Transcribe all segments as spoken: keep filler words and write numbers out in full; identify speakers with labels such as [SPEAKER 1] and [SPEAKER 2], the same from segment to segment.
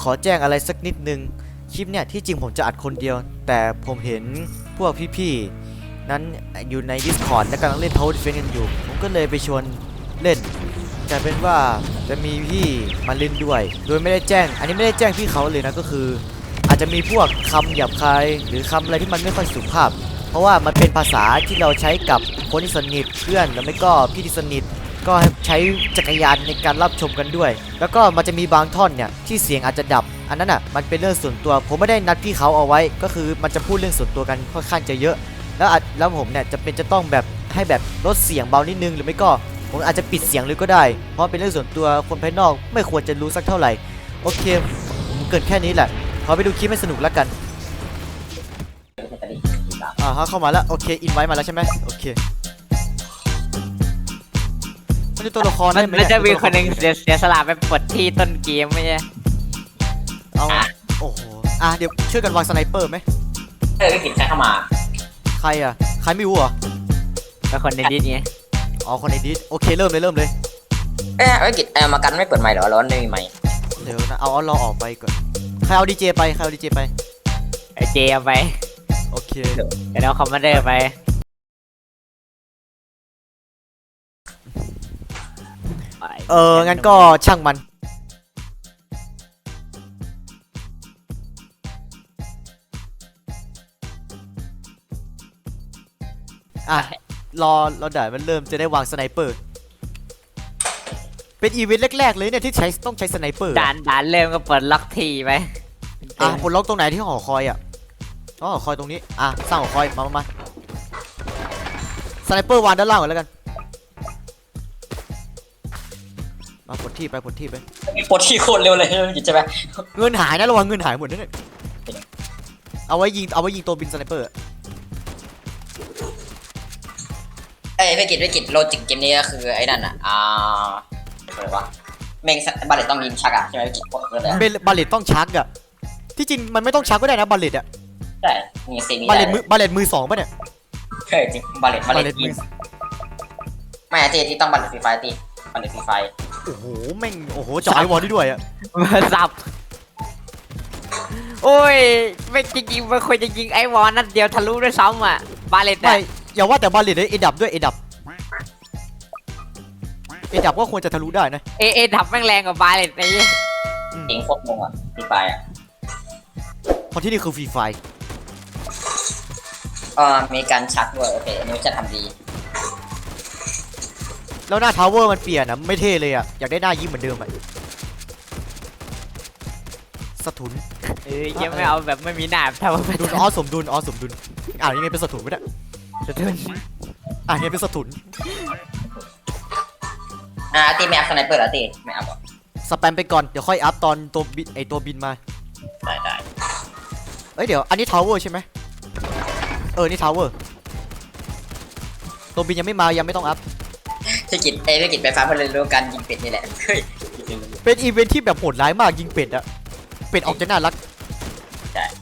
[SPEAKER 1] ขอแจ้งอะไรสักนิดนึงคลิปเนี่ยที่จริงผมจะอัดคนเดียวแต่ผมเห็นพวกพี่ๆนั้นอยู่ใน Discord และกำลังเล่น Tower Defense กันอยู่ผมก็เลยไปชวนเล่นกลายเป็นว่าจะมีพี่มาเล่นด้วยโดยไม่ได้แจ้งอันนี้ไม่ได้แจ้งพี่เขาเลยนะก็คืออาจจะมีพวกคำหยาบคายหรือคำอะไรที่มันไม่ค่อยสุภาพเพราะว่ามันเป็นภาษาที่เราใช้กับคนที่สนิทเพื่อนแล้วไม่ก็พี่ที่สนิทก็ใช้จักรยานในการรับชมกันด้วยแล้วก็มันจะมีบางท่อนเนี่ยที่เสียงอาจจะดับอันนั้นอ่ะมันเป็นเรื่องส่วนตัวผมไม่ได้นัดพี่เขาเอาไว้ก็คือมันจะพูดเรื่องส่วนตัวกันค่อนข้างจะเยอะแล้วแล้วผมเนี่ยจะเป็นจะต้องแบบให้แบบลดเสียงเบานิดนึงหรือไม่ก็ผมอาจจะปิดเสียงเลยก็ได้เพราะเป็นเรื่องส่วนตัวคนภายนอกไม่ควรจะรู้สักเท่าไหร่โอเคผมเกินแค่นี้แหละขอไปดูคลิปให้สนุกแล้วกันอ่าเข้ามาแล้วโอเคอินไว้มาแล้วใช่ไหมโอเคมันจะตัวละครได้ไหม
[SPEAKER 2] มันจะมีคนหนึ่งเสียสละไปปลดที่ต้นเกมไม่ใช่
[SPEAKER 1] เอาโอ้โหอ่ะเดี๋ยวช่วยกันวางสไนเปอร์ไหม
[SPEAKER 3] เออกินใช้เข้ามา
[SPEAKER 1] ใครอ่ะใครไม่รู้เหรอ
[SPEAKER 2] เป็นคนในดิสไง
[SPEAKER 1] อ๋อคนในดิสโอเคเริ่มเลยเริ่มเลย
[SPEAKER 3] เออไอ้กิจเออมากันไม่เปิดไมค์หรอร้อนไม่มีไมค์
[SPEAKER 1] เดี๋ยวนะเอาเอาเราออกไปก่อนใครเอาดีเจไปใครเอาดีเจไป
[SPEAKER 2] ไอเจเอาไป
[SPEAKER 1] โอเค
[SPEAKER 2] เดี๋ยวเอาคอมมานเดอร์ไป
[SPEAKER 1] เอองั้นก็ช่างมันอ่ะรอเราเดี๋ยวมันเริ่มจะได้วางสไนเปอร์เป็นอีเวนต์แรกๆเลยเนี่ยที่ใช้ต้องใช้สไนเปอร์
[SPEAKER 2] ด่านด่านเริ่มก็เปิดล็อกทีไป
[SPEAKER 1] อ่ะปลดล็อกตรงไหนที่หอคอยอ่ะอ๋อหอคอยตรงนี้อ่ะสร้างหอคอยมามามาสไนเปอร์วางด้านล่างก่อนแล้วกันมาปลดที่ไปปลดที่ไป
[SPEAKER 3] ปลดที่โคตรเร็วเลยกิจใช่ไหม
[SPEAKER 1] เงินหายนะระวังเงินหายหมดนั่นเลยเอาไว้ยิงเอาไว้ยิงตัวบินสไนเปอร์
[SPEAKER 3] เอ้ยไม่กิจไม่กิจโลจิกเกมนี้ก็คือไอ้นั่นอ่ะอ่าอะไรวะเมงบาเลตต้องยิงชักอ่ะใช่ไหมกิจกดเลย
[SPEAKER 1] เบลบาเลตต้องชักอ่ะที่จริงมันไม่ต้องชักก็ได้นะบาเลตอ่ะ
[SPEAKER 3] ใช่มีเซมิ
[SPEAKER 1] บาเลตมือบาเลตมือสองป่ะเนี่ย
[SPEAKER 3] เฮ้ยจริงบาเลตบาเลตมือไม่ตีที่ต้องบาเลตฟรีไฟตีบาเลตฟรีไฟ
[SPEAKER 1] โอ้โหแม่งโอ้โหจ่อไอวอลด้วยอ่ะ
[SPEAKER 2] มาสับโอ้ยไม่จริงๆมันควรจะยิงไอวอลนัดเดียวทะลุด้วยซ้ำอ่ะบาเลต
[SPEAKER 1] ไม่อย่าว่าแต่บาเลตเลยเอดับด้วยเอดับเอดับก็ควรจะทะลุได้นะ
[SPEAKER 2] เอเอดับแม่งแรงกว่าบาเลตไอ้
[SPEAKER 3] เจ๋งโคตรงงอ่ะฟรีไฟอ่ะ
[SPEAKER 1] เพราะที่นี่คือฟรีไฟ
[SPEAKER 3] เออมีการชักด้วยโอเคอันนี้จะทำดี
[SPEAKER 1] แล้วหน้าทาวเวอร์มันเปลี่ยนนะไม่เท่เลยอ่ะอยากได้หน้ายิ้มเหมือนเดิมอ่ะสะทุน
[SPEAKER 2] เอ้ยยังไม่เอาแบบไม่มีหน้าทำมา
[SPEAKER 1] ดุลอ๋อสมดุลอ๋อสมดุลอ่ายังไงเป็นสะทุนไม่ได้
[SPEAKER 2] สะทุน
[SPEAKER 1] อ่ายังไงเป็นสะทุน
[SPEAKER 3] อ่าตีไม่อัพสไนเปอร์หรอตีไม่อัพหรอ
[SPEAKER 1] สแปมไปก่อนเดี๋ยวค่อยอัพตอนตัวบินไอตัวบินมา
[SPEAKER 3] ได้ได้
[SPEAKER 1] เอ้ยเดี๋ยวอันนี้ทาวเวอร์ใช่ไหมเออนี่ทาวเวอร์ตัวบินยังไม่มายังไม่ต้องอัพ
[SPEAKER 3] พี่กิจเอ้พี่กิจไปฟ้าเพื่อเรียนรู้การยิงเป็ดนี่แหละเฮ้ย
[SPEAKER 1] เป็นอีเวนท์ที่แบบโหดร้ายมากยิงเป็ดอะเป็ดออกจะน่ารัก
[SPEAKER 3] ใช่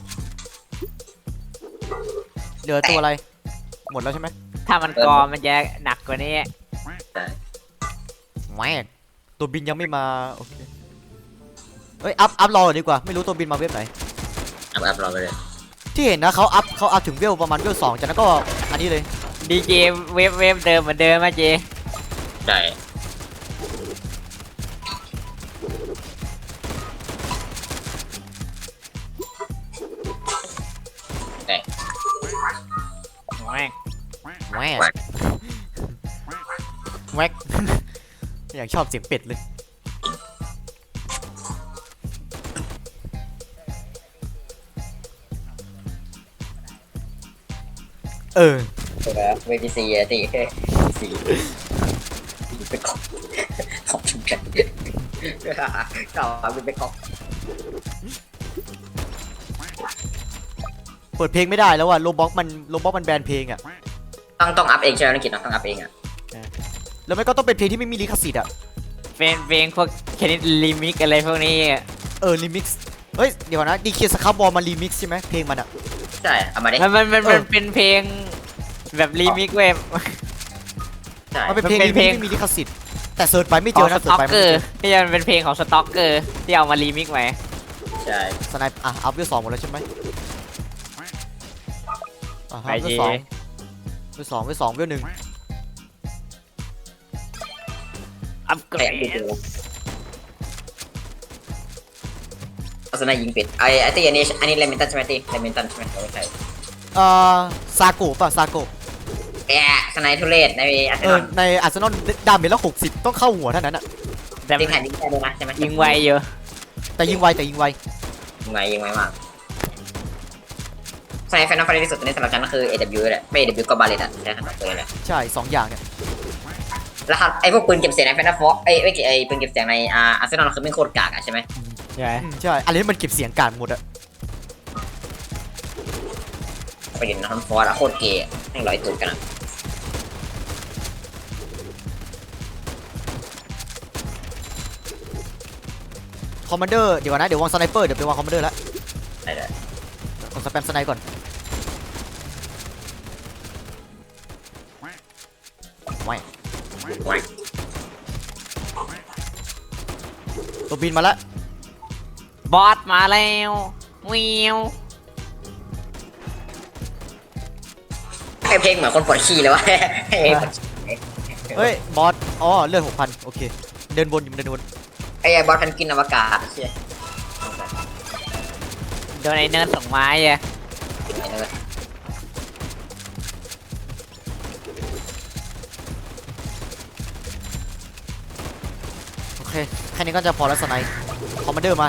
[SPEAKER 1] เหลือตัวอะไรหมดแล้วใช่ไหม
[SPEAKER 2] ถ้ามันกอมันจะหนักกว่านี้
[SPEAKER 1] แหมตัวบินยังไม่มาโอเคเฮ้ยอัพอัพรอดีกว่าไม่รู้ตัวบินมาเว็บไหน
[SPEAKER 3] อัพอัพรอไปเลย
[SPEAKER 1] ที่เห็นนะเขาอัพเขาอัพถึงเวลประมาณเวลสองจากนั้นก็อันนี้เลย
[SPEAKER 2] ดีเจเวฟเวฟเดิมเหมือนเดิมมาเจ
[SPEAKER 3] ใช่
[SPEAKER 1] แวกแวกแวกอยากชอบเสียงเป็ดเลยเออ
[SPEAKER 3] เวทีซีตีสีเป็นของของชุมกันเก่าเป็นของ
[SPEAKER 1] เปิดเพลงไม่ได้แล้วว่ะโลบ็อกมันโลบ็อกมันแบนเพลงอ่ะ
[SPEAKER 3] ต้องต้องอัพเองใช่ไหมนักกิจต้องอัพเองอ่ะ
[SPEAKER 1] แล้วไม่ก็ต้องเป็นเพลงที่ไม่มีลิขสิทธิ์อ่ะ
[SPEAKER 2] เป็นเพลงพวกแค่นี้รีมิกอะไรพวกนี้
[SPEAKER 1] เออรีมิกซ์เฮ้ยเดี๋ยวนะดีเคสครับบอลมารีมิกซ์ใช่ไหมเพลงมันอ่ะ
[SPEAKER 3] ใช่เอามาดิ
[SPEAKER 2] มันมันมันเป็นเพลงแบบรีมิกเว็บ
[SPEAKER 1] มันเป็นเพลงที่ไม่มีลิขสิทธิ์แต่เสิร์ชไปไม่เจอนะ
[SPEAKER 2] เสิร์ชไปไม่เจอที่มันเป็นเพลงของสต็อกเกอร์ที่เอามารีมิกไว้
[SPEAKER 3] ใช่
[SPEAKER 1] สไนป์อ่ะอัพเวลสองหมดแล้วใช่ไหมอ่ะ
[SPEAKER 2] ไป
[SPEAKER 1] เวล
[SPEAKER 2] จี
[SPEAKER 1] สองเวลสองเวลสองเวลหนึ่ง
[SPEAKER 2] อัพเกร
[SPEAKER 3] ไอ้อัน
[SPEAKER 2] ด
[SPEAKER 3] ดูเอาสนายยิงเป็ดไอ้ไอ้ที่อันนี้อันนี้เลมินตันใช่ไหมที่เลมินตันใช่ไหมไม่ใช่
[SPEAKER 1] เอ่อซาโกะป่ะซาโกะ
[SPEAKER 3] แอะสนายทุเรศในอาร์เซ
[SPEAKER 1] เอน
[SPEAKER 3] อ
[SPEAKER 1] อ
[SPEAKER 3] ล
[SPEAKER 1] ในอาร์เซนอลดาเมจละหกสิบต้องเข้าหัวเท่านั้นอะ
[SPEAKER 2] แต่
[SPEAKER 3] ยิงแผ่นยิงได้ด้วยนะใช่ไหม
[SPEAKER 2] ยิงไวอยู่
[SPEAKER 1] แต่ยิงไวแต่ยิงไว
[SPEAKER 3] ยิงไวยิงไวมากสนายแฟนนักฟาร์ที่สุดตอนนี้สำหรับฉันก็คือ เอ ดับเบิลยู แหละไม่ เอ ดับเบิลยู ก็บาเลตอะใช่ขนาดตัวเลย
[SPEAKER 1] ใช่สองอย่างเนี่ย
[SPEAKER 3] แล้วครับไอ้พวกปืนเก็บเสียงในแฟนนักฟอไอ้ไอ้ไอ้ปืนเก็บเสียงในอาร์เซนอลคือไม่โคตรกากอะใช่ไหม
[SPEAKER 2] ใช่ไหม
[SPEAKER 1] อืมใช่อะไรที่มันเก็บเสียงการหมดอะ
[SPEAKER 3] ไปเห็นนักฟอร์อะโคตรเกย์แม่งลอยตูดกันอะ
[SPEAKER 1] คอมมานเดอร์เดี๋ยวก่อนนะเดี๋ยววางสไนเปอร์เดี๋ยวไปวางคอมมานเดอร์แล้ว
[SPEAKER 3] ได้เลย
[SPEAKER 1] กดสแปมสไนก่อนไม่
[SPEAKER 3] ไว้
[SPEAKER 1] ตัวบินมาแล้ว
[SPEAKER 2] บอสมาแล้ววิว
[SPEAKER 3] ไอ้เพลงเหมือนคนปวดขี้เลยวะ
[SPEAKER 1] เฮ้ยบอสอ๋อเลือดหกพันโอเคเดินวนอยู่เดินวน
[SPEAKER 3] ไอ้บอสพันกินอวกาศเชี่ย
[SPEAKER 2] โดนไอ้เนิร์ดส่งไม้อะ
[SPEAKER 3] ไอ้เนย
[SPEAKER 1] โอเคแค่นี้ก็จะพอแล้วสไนคอมมานเดอร์มา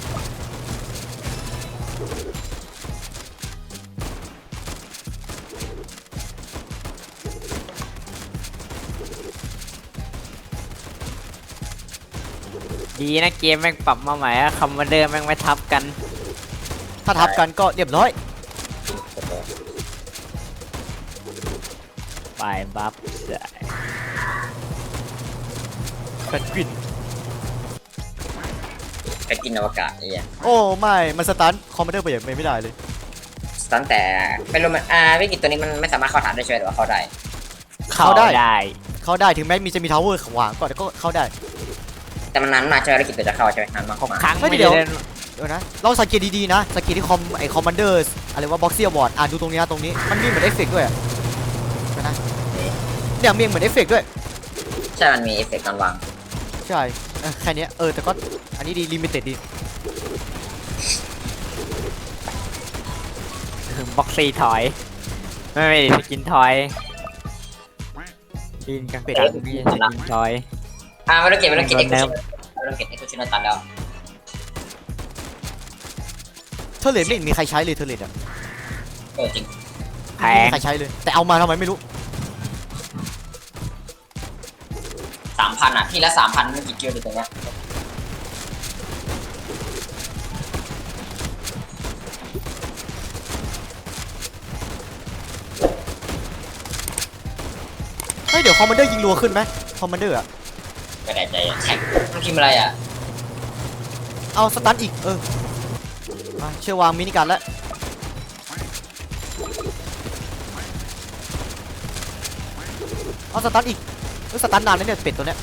[SPEAKER 2] ดีนะเกมแม่งปรับมาใหม่อะคอมมานเดอร์แม่งไม่ทับกัน
[SPEAKER 1] ถ้าทับกันก็เรียบร้อย
[SPEAKER 2] ไปบัฟใช่
[SPEAKER 1] เป็นกลิ่น
[SPEAKER 3] ไปกินอวกาศไอ้เหี้ย
[SPEAKER 1] โอ้ไม่มันสตาร์ทคอมมานเดอร์ไปอย่างไม่ได้เลย
[SPEAKER 3] ตั้งแต่ไม่รู้มันอ่าวิกฤตตัวนี้มันไม่สามารถเข้าฐานได้ใช่ไหมหรือว่าเข้าได้
[SPEAKER 2] เข้าได้
[SPEAKER 1] เข้าได้ถึงแม้มีจะมีทาวเวอร์ขวางก็แต่ก็เข้าได้
[SPEAKER 3] แต่มันนานมากใช่ไหมวิกฤตตัวจะเข้าใช่ไหมนานมาก
[SPEAKER 2] ของ
[SPEAKER 3] มาก
[SPEAKER 2] ครั้ง
[SPEAKER 1] ไม่
[SPEAKER 2] ไม่
[SPEAKER 1] เดี๋
[SPEAKER 2] ได้
[SPEAKER 1] ยว
[SPEAKER 2] เล่น
[SPEAKER 1] เดี๋ยวนะลองสังเกตดีๆนะสังเกตที่คอมไอคอมมานเดอร์อะไรว่าบ็อกซี่อวอร์ดอ่ะดูตรงนี้นะตรงนี้มันมีเหมือนเอฟเฟกต์ด้วยอะเดี๋ยวนะเนี่ยมีเหมือนเอฟเฟกต์ด้วย
[SPEAKER 3] ใช่มันมีเอฟเฟกต์ตอนวาง
[SPEAKER 1] ใช่เออแค่เนี้ยเออแต่ก็อันนี้ดีลิมิเต็ดดี
[SPEAKER 2] ถึงบ็อกซี่ถอย ไม่ไม่สกินถอยดินกลางกลางนี่สกินถอย
[SPEAKER 3] อ่าไม่ต้องเก็บไม่ต้องเก็บ
[SPEAKER 2] โด
[SPEAKER 3] เอ็
[SPEAKER 2] น
[SPEAKER 3] ก
[SPEAKER 2] เนิ
[SPEAKER 3] ซ์
[SPEAKER 2] ร์ฟ
[SPEAKER 3] ไม่ต้องเก็บเอ็กซ์ชิโนตันแล้ว
[SPEAKER 1] เทอร์เลตไม่เห็นมีใครใช้เลยเทอร์เลตอ่ะ
[SPEAKER 3] เออจริง
[SPEAKER 2] แพ
[SPEAKER 1] ไม่
[SPEAKER 2] ง
[SPEAKER 1] มีใครใช้เลย แต่เอามาทำไมไม่รู้
[SPEAKER 3] สามพันอ่ะที่ละสามพันไม่กี่กิโลอยู่ตรงเนี้ย
[SPEAKER 1] เฮ้ยเดี๋ยวคอมมานเดอร์ยิงรัวขึ้นไหมคอมมานเดอร์อ่ะ
[SPEAKER 3] ไม่ได้ใจอ่ะแข่งมันพิมพ์อะไรอ่ะ
[SPEAKER 1] เอาสตันอีกเออมาเชื่อวางมินิการแล้วเอาสตันอีกเออสตันนานแล้วเนี่ยเป็ดตัวเนี้ย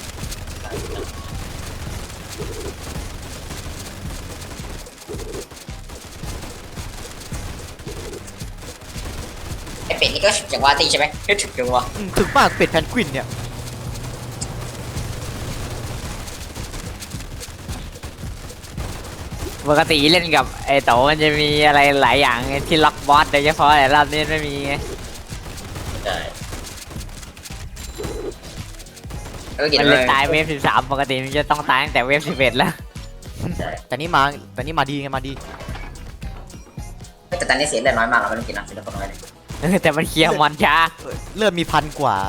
[SPEAKER 3] ไอเป็ดนี่ก็ถึงจังหวะตีใช่ไหมก็ถึงจังหวะ
[SPEAKER 1] อืมถึงมากเป็ดแพนกวินเนี่ย
[SPEAKER 2] ปกติเล่นกับไอ้โตมันจะมีอะไรหลายอย่างไงที่ล็อกบอสโดยเฉพาะแต่รอบนี้ไม่มีไง
[SPEAKER 3] ใช่แล้วกิน
[SPEAKER 2] มัน
[SPEAKER 3] เล
[SPEAKER 2] เลย
[SPEAKER 3] ย
[SPEAKER 2] ตายเวฟสิบสามปกติมันจะต้องตายตั้งแต่เวฟสิบเอ็ดแล้ว
[SPEAKER 1] แต่นี่มาแต่นี่มาดีไงมาดี
[SPEAKER 3] แต่ตอนนี้เสียเลือดน้อยมากเราไม่ต้องกินนะเสียเลือดน้อยเลย
[SPEAKER 2] เออแต่มันเคลียร์มอนช้า
[SPEAKER 1] เออเลือดมีพันกว่า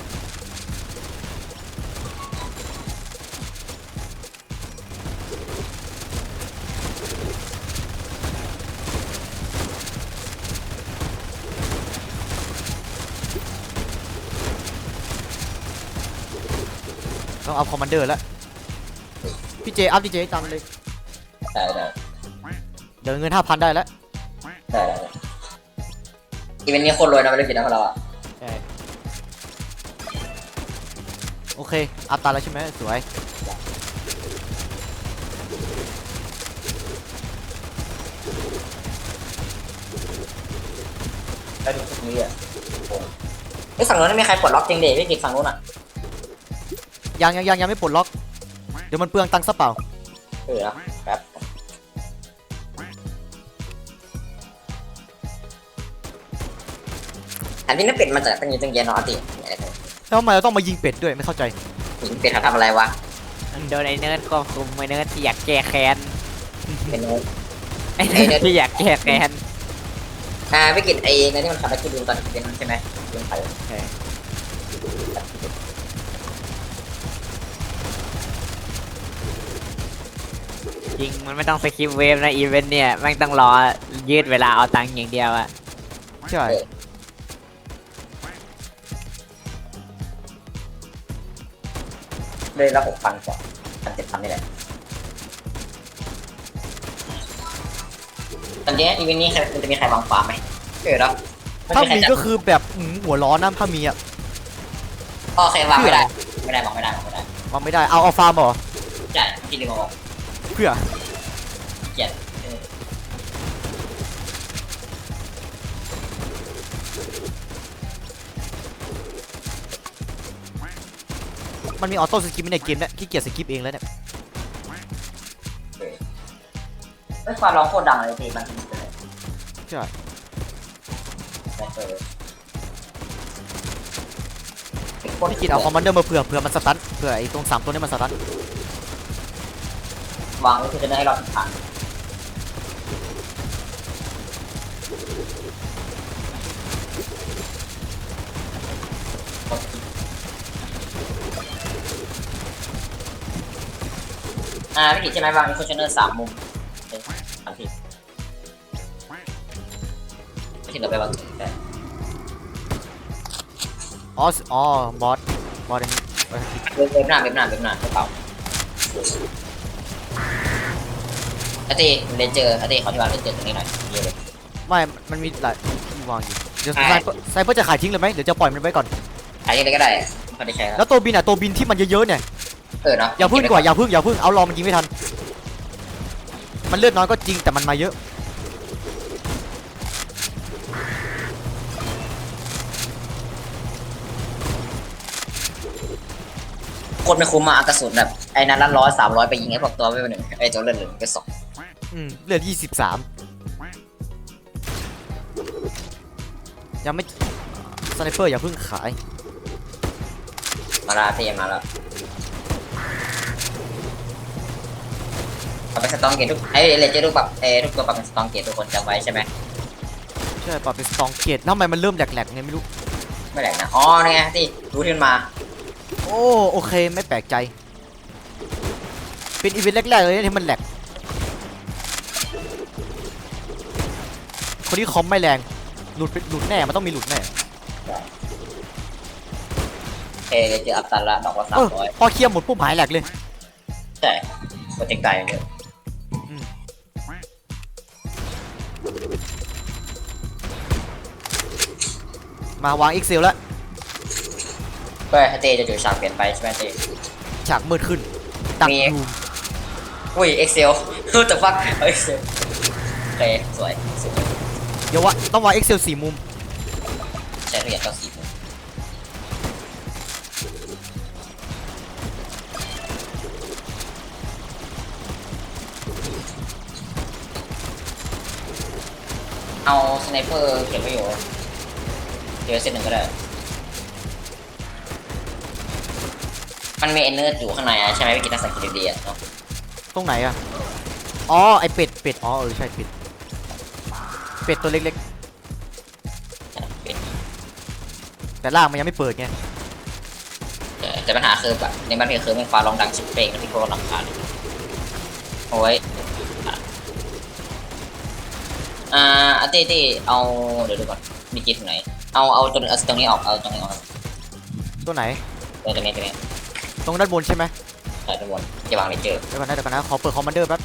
[SPEAKER 1] ต้องเอาคอมมานเดอร์แล้ว พี่เจ อัพพี่เจตามเลย
[SPEAKER 3] ได้ได้
[SPEAKER 1] เดี๋ยวเงินห้าพันได้แล้ว
[SPEAKER 3] ได้ได้อีเวนต์นี้โคตรรวยนะไม่ต้องกินนะพวกเราอ่ะ
[SPEAKER 1] โอเค อัพตามแล้วใช่ไหมสวย
[SPEAKER 3] แล้วดูทุกนี้อ่ะโอ้ไอ้ฝั่งนู้นไม่มีใครปลดล็อกจริงเด็พี่กิจฝั่งนู้นอ่ะ
[SPEAKER 1] ยังยังยังยังไม่ปลดล็อกเดี๋ยวมันเปลืองตังค์ซะเปล่า
[SPEAKER 3] เออนะแป๊บอันนี้น่าเป็ดมาจากตั้งยี่ตั้งเย็นเนาะอาติอะไรกัน
[SPEAKER 1] แล้วทำไมเราต้องมายิงเป็ดด้วยไม่เข้าใจ
[SPEAKER 3] หิงเป็ดเขาทำอะไรวะ
[SPEAKER 2] โดนไอ้เนิร์ดควบคุมไอ้เนิร์ดที่อยากแก้แค้น
[SPEAKER 3] เป็นไง
[SPEAKER 2] ไอ้เนิร์ดที่อยากแก้แค้น
[SPEAKER 3] อ่าพี่กิจไอ้ในนี่มันขับไปที่ดูตอนเป็นใช่ไหมเป็นไฟ
[SPEAKER 2] จริงมันไม่ต้องสกิปเวฟนะอีเวนต์เนี่ยแม่งต้องรอยืดเวลาเอาตังค์อย่างเดียวอะ
[SPEAKER 1] ใช่
[SPEAKER 3] เลยละหกพันกว่าพันเจ็ดพันนี่แหละตอนนี้อีเวนต์นี้มันจะมีใครวางฟาร์มไหมเออแล้ว
[SPEAKER 1] ถ้ามีก็คือแบบอืมหัวร้อนนะถ้ามีอ่ะ
[SPEAKER 3] โอเควางไม่ได้ไม่ได้วางไม่ได้วางไม่ได้
[SPEAKER 1] วางไม่ได้เอาเอาฟาร์มเหรอ
[SPEAKER 3] ใช่ที่ลืมมาวาง
[SPEAKER 1] เพื่อ
[SPEAKER 3] เกลียดเออ
[SPEAKER 1] มันมีออโต้สกิปในเกมเนี่ยขี้เกียจสกิปเองแล้วเนี่ย
[SPEAKER 3] ไม่ความร้องโคตรดังเลยทีมันเลย
[SPEAKER 1] ใช่
[SPEAKER 3] เออ
[SPEAKER 1] พี่กินเอาคอมมานเดอร์มาเผื่อเผื่อมันสตันเผื่อไอ้ตรงสามตัวนี้มันสตัน
[SPEAKER 3] วางไว้คือจะได้ให้เราผ่านอ่าพี่กิจใช่ไหมวางอินโฟชันเนอร์สามมุมเอ้ยสามทีที่เราไปวางแต่
[SPEAKER 1] อ๋ออ๋อบอสบอสอันนี้บอสอันนี้
[SPEAKER 3] เว็บเว็บหน้าเว็บหน้าเว็บหน้าเว็บเปล่าอาตีเลนเจอร์อาตีขอที่วางเลนเจอร์ตรงนี้หน่อยเยอะเลย
[SPEAKER 1] ไม่มันมีหลายที่วางอยู่เดี๋ยว
[SPEAKER 3] ใช่
[SPEAKER 1] ไซเปอร์ไซเปอร์จะขายทิ้งเลยไหมเดี๋ยวจะปล่อยมันไว้ก่อน
[SPEAKER 3] ขายยังไงก็ได้ไม่ค่อยได้ใช้แล้ว
[SPEAKER 1] แล้วตัวบินอ่ะตัวบินที่มันเยอะๆเนี่ย
[SPEAKER 3] เออเนาะ
[SPEAKER 1] อย่าพึ่งดีกว่าอย่าพึ่งอย่าพึ่งเอารอมันยิงไม่ทันมันเลือดน้อยก็จริงแต่มันมาเยอะ
[SPEAKER 3] โคตรไม่คุ้มมาอากระสุนแบบไอ้นั้นละร้อยสามร้อยไปยิงไอ้พวกตัวไม่เป็นหนึ่งไอ้ตัวเลือดเหลืองไปสอง
[SPEAKER 1] อืมเลือดยี่สิบสามยังไม่สไนเปอร์อย่าพึ่งขาย
[SPEAKER 3] มาลาเทียมาแล้วเอาไปสตองเกตทุกไอ้เลเจอร์ทุกแบบเอ้ทุกตัวปรับเป็นสตองเกตทุกคนจำไว้ใช่ไหม
[SPEAKER 1] ใช่ปรับเป็นสตองเกตแล้วทำไมมันเริ่มแหลกๆไงไม่รู้
[SPEAKER 3] ไม่แหลกนะอ๋อนี่ไงที่รู้ที่มันมา
[SPEAKER 1] โอ้โอเคไม่แปลกใจเป็นอีเวนต์แรกๆเลยที่มันแหลกคนที่คอมไม่แรงหลุดไปหลุดแน่มันต้องมีหลุดแน่
[SPEAKER 3] เอเลเจอร์อัพตันละดอกละสา
[SPEAKER 1] เอ
[SPEAKER 3] ม
[SPEAKER 1] อ
[SPEAKER 3] ร้อย
[SPEAKER 1] พอเคลียร์หมดปุ๊บหายแหลกเลย
[SPEAKER 3] ใช่โปรเจกต์ตายอย่างเดียว
[SPEAKER 1] มาวาง Excel แล้ว
[SPEAKER 3] เพื่อให้เต้จะอยู่ฉากเปลี่ยนไปใช่ไหมเต้
[SPEAKER 1] ฉากมืดขึ้นดัก
[SPEAKER 3] มี
[SPEAKER 1] ดู
[SPEAKER 3] อุ้ยเอ็กเซลฮู้แต่ฟักเอ็กเซลโอเคสวยสวย
[SPEAKER 1] เดี๋ยววะต้องวาง Excel สี่มุม
[SPEAKER 3] ใช้ทุกอย่างก็สีมุมเอาสไนเปอร์เก็บไว้อยู่เดี๋ยวเซตหนึ่งก็ได้ มันมีเอเนอร์อยู่ข้างในอะใช่ไหมพี่กินนักสังเกตดีๆอะเนาะ
[SPEAKER 1] ตรงไหนอะอ๋อไอเป็ดเป็ดอ๋อเออใช่เป็ดเป็ดตัวเล็กๆแต่ล่างมันยังไม่เปิดไง
[SPEAKER 3] แต่แต่ปัญหาคือแบบในบ้านพี่คือมันฟ้าร้องดังชิบเป้งแล้วพี่ก็รำคาญโอ้ยอ่ะอ่าอาตี้ตี้เอาเดี๋ยวดูก่อนมีกี่ตรงไหนเอาเอาตรงเอาตรงนี้ออกเอาตรงนี้ออก
[SPEAKER 1] ตัวไหน
[SPEAKER 3] ตรงตรงนี้ตรงนี้
[SPEAKER 1] ตรงด้านบนใช่ไหม
[SPEAKER 3] ใส่ตรงบนจะวางเลเจอร์
[SPEAKER 1] เดี๋ยวก่อนนะเดี๋ยวก่อนนะขอเปิดคอมมานเดอร์แป๊บ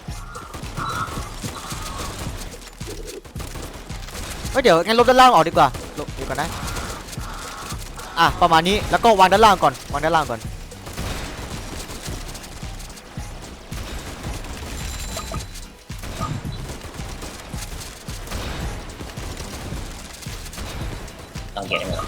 [SPEAKER 1] เฮ้ยเดี๋ยวงั้นลบด้านล่างออกดีกว่าลบเดี๋ยวก่อนนะอ่ะประมาณนี้แล้วก็วางด้านล่างก่อนวางด้านล่างก่อน
[SPEAKER 3] ต้องเกี่ยวได้ไหม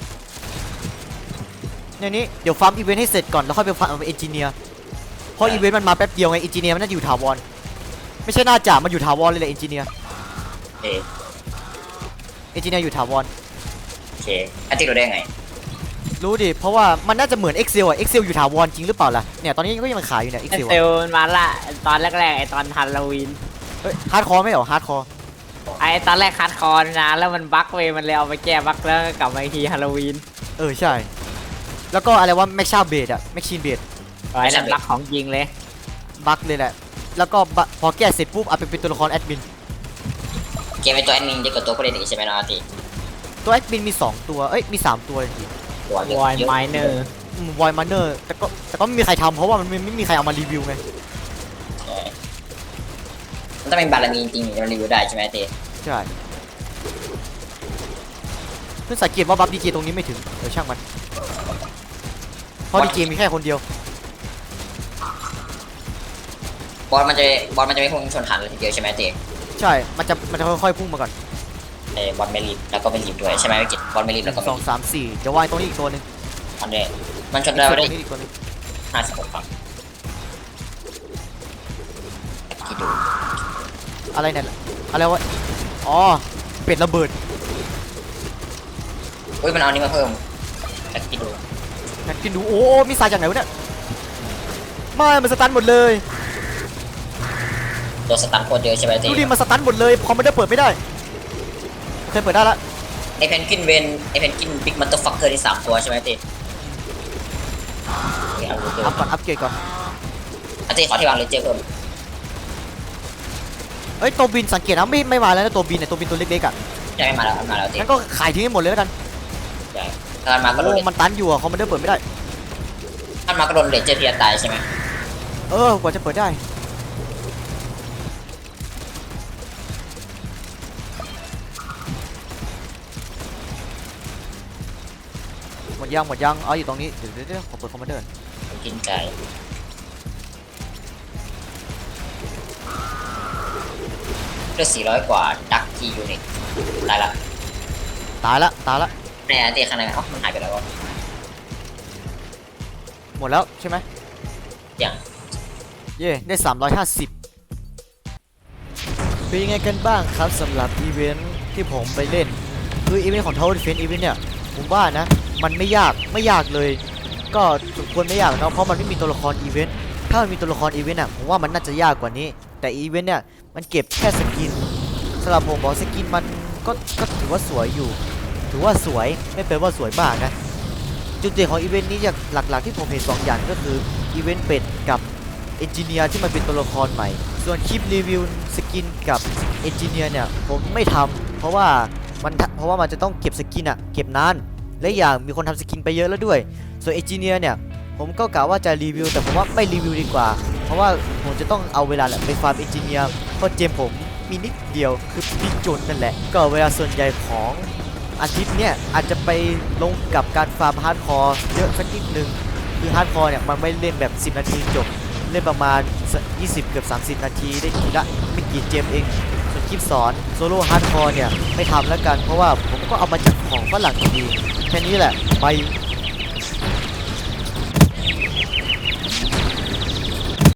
[SPEAKER 1] ในนี้เดี๋ยวฟาร์มอีเวนต์ให้เสร็จก่อนแล้วค่อยไปฟาร์มเอนจิเนียร์เพราะอีเวนต์มันมาแป๊บเดียวไงเอนจิเนียร์มันน่าจะอยู่ถาวรไม่ใช่น่าจะมันอยู่ถาวรเลยแหละเอนจิเนียร์
[SPEAKER 3] เออ
[SPEAKER 1] เอนจิเนียร์อยู่ถาวร
[SPEAKER 3] โอเคอันที่รู้ได้ไง
[SPEAKER 1] รู้ดิเพราะว่ามันน่าจะเหมือน Excel อ่ะ Excel อยู่ถาวรจริงหรือเปล่าล่ะเนี่ยตอนนี้ก็ยังขายอยู่เนี่ย
[SPEAKER 2] ไอ
[SPEAKER 1] Excel
[SPEAKER 2] เซล
[SPEAKER 1] อะ
[SPEAKER 2] มันมาละตอนแรกๆไอตอนฮาโลวีน
[SPEAKER 1] เฮ้ยฮาร์ดคอร์ไม่เหรอฮาร์ดคอร์
[SPEAKER 2] ไอตอนแรกคัดคอนนะแล้วมันบั๊กเว้ยมันเลยเอาไปแก้บั๊กแล้วก็กลับมาอีกทีฮาโลวีน
[SPEAKER 1] เออใช่แล้วก็อะไรว่าแม็กชาเบดอะแม็กชีนเบด
[SPEAKER 2] ไอ้นั่นบั๊กของจริงเลย
[SPEAKER 1] บั๊กเลยแหละแล้วก็บะพอแก้เสร็จปุ๊บเอาไปเป็นตัวละครแอดมิน
[SPEAKER 3] เกมเป็นตัวแอดมินจะกดตัวผู้เล่นอีกใช่ไหมน้องอาร์ตี
[SPEAKER 1] ตัวแอดมินมีสองตัวเอ้ยมีสามตัวจริง
[SPEAKER 3] ตัวเยอะ
[SPEAKER 2] วอย
[SPEAKER 3] เยอะ
[SPEAKER 2] ไมเนอร์
[SPEAKER 1] วอยมาเนอร์แต่ก็แต่ก็ไม่มีใครทำเพราะว่ามันไม่ไม่มีใครเอามารีวิวไง
[SPEAKER 3] เออมันต้องเป็นบารมีจริงๆถึงจะรีวิวได้ใช่ไหมตี
[SPEAKER 1] ใช่เพิ่งสังเกตว่าบัฟดีเจตรงนี้ไม่ถึงเดี๋ยวช่างมันเพราะดีเจมีแค่คนเดียว
[SPEAKER 3] บอลมันจะบอลมันจะไม่พุ่งชนหันเลยทีเดียวใช่ไหมตี
[SPEAKER 1] ใช่มันจะมันจะค่อยๆพุ่งมาก่อน
[SPEAKER 3] เออบอลไม่รีบแล้วก็ไม่รีบด้วยใช่ไหมวิกิตบอลไม่รีบ
[SPEAKER 1] ห
[SPEAKER 3] แล้ว
[SPEAKER 1] นึ่
[SPEAKER 3] ก็
[SPEAKER 1] ง
[SPEAKER 3] ไม่
[SPEAKER 1] สอง
[SPEAKER 3] รีบ
[SPEAKER 1] สามสี่เดี๋ยววายตรงนี้อีกตัวหนึง
[SPEAKER 3] อันเนี้ยมันชน
[SPEAKER 1] อีก
[SPEAKER 3] ได้
[SPEAKER 1] ตัว
[SPEAKER 3] ได้
[SPEAKER 1] นี้อีกตัวหนึง
[SPEAKER 3] ห้าสิบหกครับคิดดู
[SPEAKER 1] อะไรเนี่ยอะไรวะอ๋อเป็ดระเบิด
[SPEAKER 3] อุ้ยมันเอาอันนี้มาเพิ่มแต่คิดดู
[SPEAKER 1] งั้นกินดูโอ้มีสายจากไหนวะเนี่ยไม่มันสตันหมดเลย
[SPEAKER 3] ตัวสตันโคตรเยอะใช่ไหมตี
[SPEAKER 1] ดูดิมันสตันหมดเลยคอมมันได้เปิดไม่ได้เคยเปิดได้ละ
[SPEAKER 3] ไอเพนกินเวนไอเพนกินบิ๊กมัตเตอร์ฟักเกอร์ที่สามตัวใช่ไหมตีเอาดูเพิ่
[SPEAKER 1] อั
[SPEAKER 3] ม
[SPEAKER 1] พก่อนอัพเกรดก่อน
[SPEAKER 3] อาตีขอที่วางเลเจอร์เพิ่ม
[SPEAKER 1] เอ้ยตัวบินสังเกตนะไม่ไม่มาแล้วนะตัวบินเนี่ยตัวบินตัวเล็กๆอ่ะ
[SPEAKER 3] ใช่ไม่มาแล้วมาแล้วตี
[SPEAKER 1] งั้นก็ขายทิ้งให้หมดเลยแล้วกัน
[SPEAKER 3] ใช่ถ้ามันมาก็โด
[SPEAKER 1] โอ้
[SPEAKER 3] น
[SPEAKER 1] มันตันอยู่อะคอมมันได้เปิดไม่ได้
[SPEAKER 3] ถ้ามันมาก็โดนเลเจอร์เทียตายใช่ไหม
[SPEAKER 1] เออกว่าจะเปิดได้หมดยังหมดยังเอาอยู่ตรงนี้เดี๋ยวเดี๋ยวเดี๋ยวขอเปิดคอมมานเดอร์
[SPEAKER 3] กินใจเลือดสี่ร้อยกว่าดักทียูนิตตายละ
[SPEAKER 1] ตายละตายละ
[SPEAKER 3] ในอาตีข้างในอ๋อมันหายไปแล้ววะ
[SPEAKER 1] หมดแล้วใช่ไหม
[SPEAKER 3] อย่าง
[SPEAKER 1] เย่ได้สามร้อยห้าสิบเป็นยังไงกันบ้างครับสำหรับอีเวนท์ที่ผมไปเล่นคืออีเวนต์ของ Tower Defense อีเวนต์เนี่ยผมว่านะมันไม่ยากไม่ยากเลย ก็สมควรไม่ยากเนาะเพราะมันไม่มีตัวละครอีเวนต์ถ้ามันมีตัวละครอีเวนต์อ่ะผมว่ามันน่าจะยากกว่านี้ แต่อีเวนต์เนี่ยมันเก็บแค่สกินสำหรับผมบอกสกินมันก็ก็ถือว่าสวยอยู่ ถือว่าสวยไม่เป็นว่าสวยมากนะจุดเด่นของอีเวนต์นี้จากหลักๆที่ผมเห็นสองอย่างก็คืออีเวนต์เป็ดกับเอนจิเนียร์ที่มันเป็นตัวละครใหม่ ส่วนคลิปรีวิวสกินกับเอนจิเนียร์เนี่ยผมไม่ทำเพราะว่ามันเพราะว่ามันจะต้องเก็บสกินอะเก็บนานและอย่างมีคนทำสกินไปเยอะแล้วด้วยส่วนเอนจิเนียร์เนี่ยผมก็กะว่าจะรีวิวแต่ผมว่าไม่รีวิวดีกว่าเพราะว่าผมจะต้องเอาเวลาแหละไปฟาร์มเอนจิเนียร์เพราะเจมผมมีนิดเดียวคือพิจนนั่นแหละก็เวลาส่วนใหญ่ของอาทิตย์เนี่ยอาจจะไปลงกับการฟาร์มฮาร์ดคอร์เยอะสักนิดนึงคือฮาร์ดคอร์เนี่ยมันไม่เล่นแบบสิบนาทีจบเล่นประมาณยี่สิบเกือบสามสิบนาทีได้ทีละไม่กี่เกมเองส่วนคลิปสอนโซโล่ฮาร์ดคอร์เนี่ยไม่ทำแล้วกันเพราะว่าผมก็เอามาจากของฝรั่งดีแค่นี้แหละไป